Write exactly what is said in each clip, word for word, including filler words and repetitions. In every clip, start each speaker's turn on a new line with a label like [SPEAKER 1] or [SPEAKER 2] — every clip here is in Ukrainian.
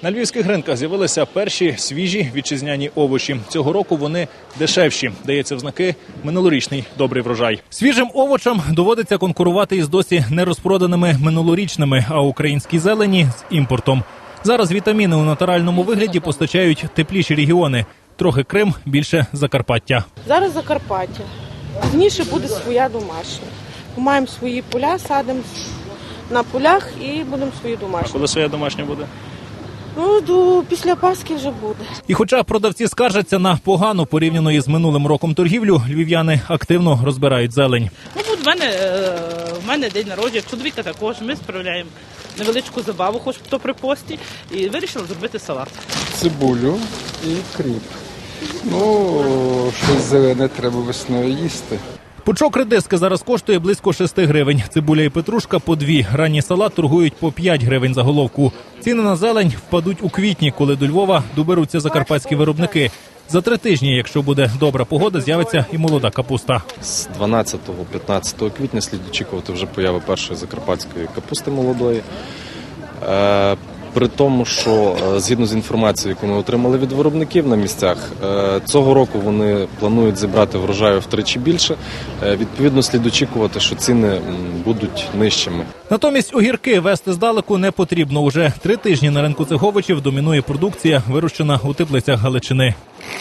[SPEAKER 1] На львівських ринках з'явилися перші свіжі вітчизняні овочі. Цього року вони дешевші. Дається в знаки минулорічний добрий врожай. Свіжим овочам доводиться конкурувати із досі нерозпроданими минулорічними, а українській зелені – з імпортом. Зараз вітаміни у натуральному вигляді постачають тепліші регіони. Трохи Крим, більше Закарпаття.
[SPEAKER 2] Зараз Закарпаття. Пізніше буде своя домашня. Ми маємо свої поля, садимо на полях і будемо свої домашні.
[SPEAKER 1] А коли своя домашня буде?
[SPEAKER 2] Ну, до, після Пасхи вже буде.
[SPEAKER 1] І хоча продавці скаржаться на погану порівняно із минулим роком торгівлю, львів'яни активно розбирають зелень.
[SPEAKER 3] Ну, от в мене, в мене день народження, чоловіка також. Ми справляємо невеличку забаву, хоч то при пості, і вирішили зробити салат.
[SPEAKER 4] Цибулю і кріп. Ну, щось зелене треба весною їсти.
[SPEAKER 1] Пучок редиски зараз коштує близько шести гривень. Цибуля і петрушка – по дві. Ранній салат торгують по п'ять гривень за головку. Ціни на зелень впадуть у квітні, коли до Львова доберуться закарпатські виробники. За три тижні, якщо буде добра погода, з'явиться і молода капуста.
[SPEAKER 5] З дванадцятого-п'ятнадцятого квітня слід очікувати вже появи першої закарпатської капусти молодої. Е, при тому, що згідно з інформацією, яку ми отримали від виробників на місцях, е, цього року вони планують зібрати врожаю втричі більше. Е, відповідно, слід очікувати, що ціни будуть нижчими.
[SPEAKER 1] Натомість огірки везти здалеку не потрібно. Уже три тижні на ринку цих овочів домінує продукція, вирощена у теплицях Галичини.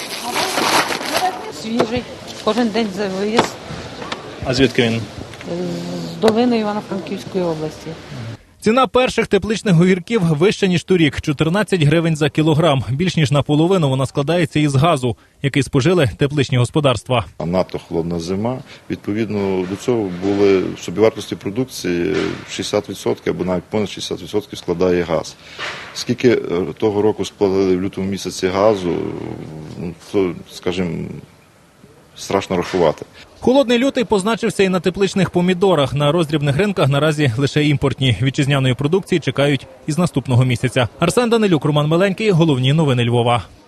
[SPEAKER 6] Свіжий, кожен день за виїзд
[SPEAKER 1] А звідки він?
[SPEAKER 6] з долини Івано-Франківської області.
[SPEAKER 1] Ціна перших тепличних огірків вища, ніж торік – чотирнадцять гривень за кілограм. Більш ніж наполовину вона складається із газу, який спожили тепличні господарства.
[SPEAKER 7] А надто холодна зима. Відповідно до цього були в собівартості продукції шістдесят відсотків або навіть понад шістдесят відсотків складає газ. Скільки того року сплатили в лютому місяці газу, то, скажімо, страшно рахувати.
[SPEAKER 1] Холодний лютий позначився і на тепличних помідорах. На роздрібних ринках наразі лише імпортні. Вітчизняної продукції чекають із наступного місяця. Арсен Данилюк, Роман Миленький. Головні новини Львова.